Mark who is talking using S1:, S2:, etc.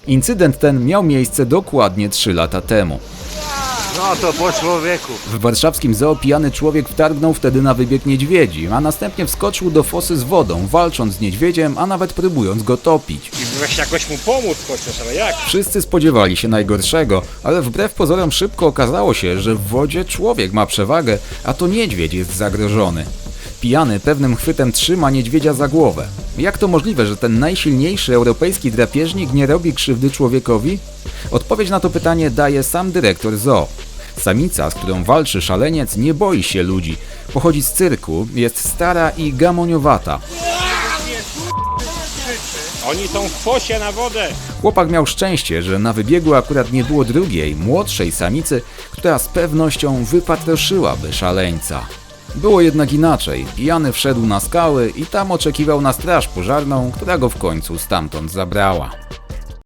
S1: Incydent ten miał miejsce dokładnie 3 lata temu.
S2: No to po człowieku.
S1: W warszawskim zoo pijany człowiek wtargnął wtedy na wybieg niedźwiedzi, a następnie wskoczył do fosy z wodą, walcząc z niedźwiedziem, a nawet próbując go topić.
S2: I weź jakoś mu pomóc chociaż, ale jak?
S1: Wszyscy spodziewali się najgorszego, ale wbrew pozorom szybko okazało się, że w wodzie człowiek ma przewagę, a to niedźwiedź jest zagrożony. Pijany pewnym chwytem trzyma niedźwiedzia za głowę. Jak to możliwe, że ten najsilniejszy europejski drapieżnik nie robi krzywdy człowiekowi? Odpowiedź na to pytanie daje sam dyrektor zoo. Samica, z którą walczy szaleniec, nie boi się ludzi. Pochodzi z cyrku, jest stara i gamoniowata.
S2: Oni są w fosie na wodę.
S1: Chłopak miał szczęście, że na wybiegu akurat nie było drugiej, młodszej samicy, która z pewnością wypatroszyłaby szaleńca. Było jednak inaczej. Pijany wszedł na skały i tam oczekiwał na straż pożarną, która go w końcu stamtąd zabrała.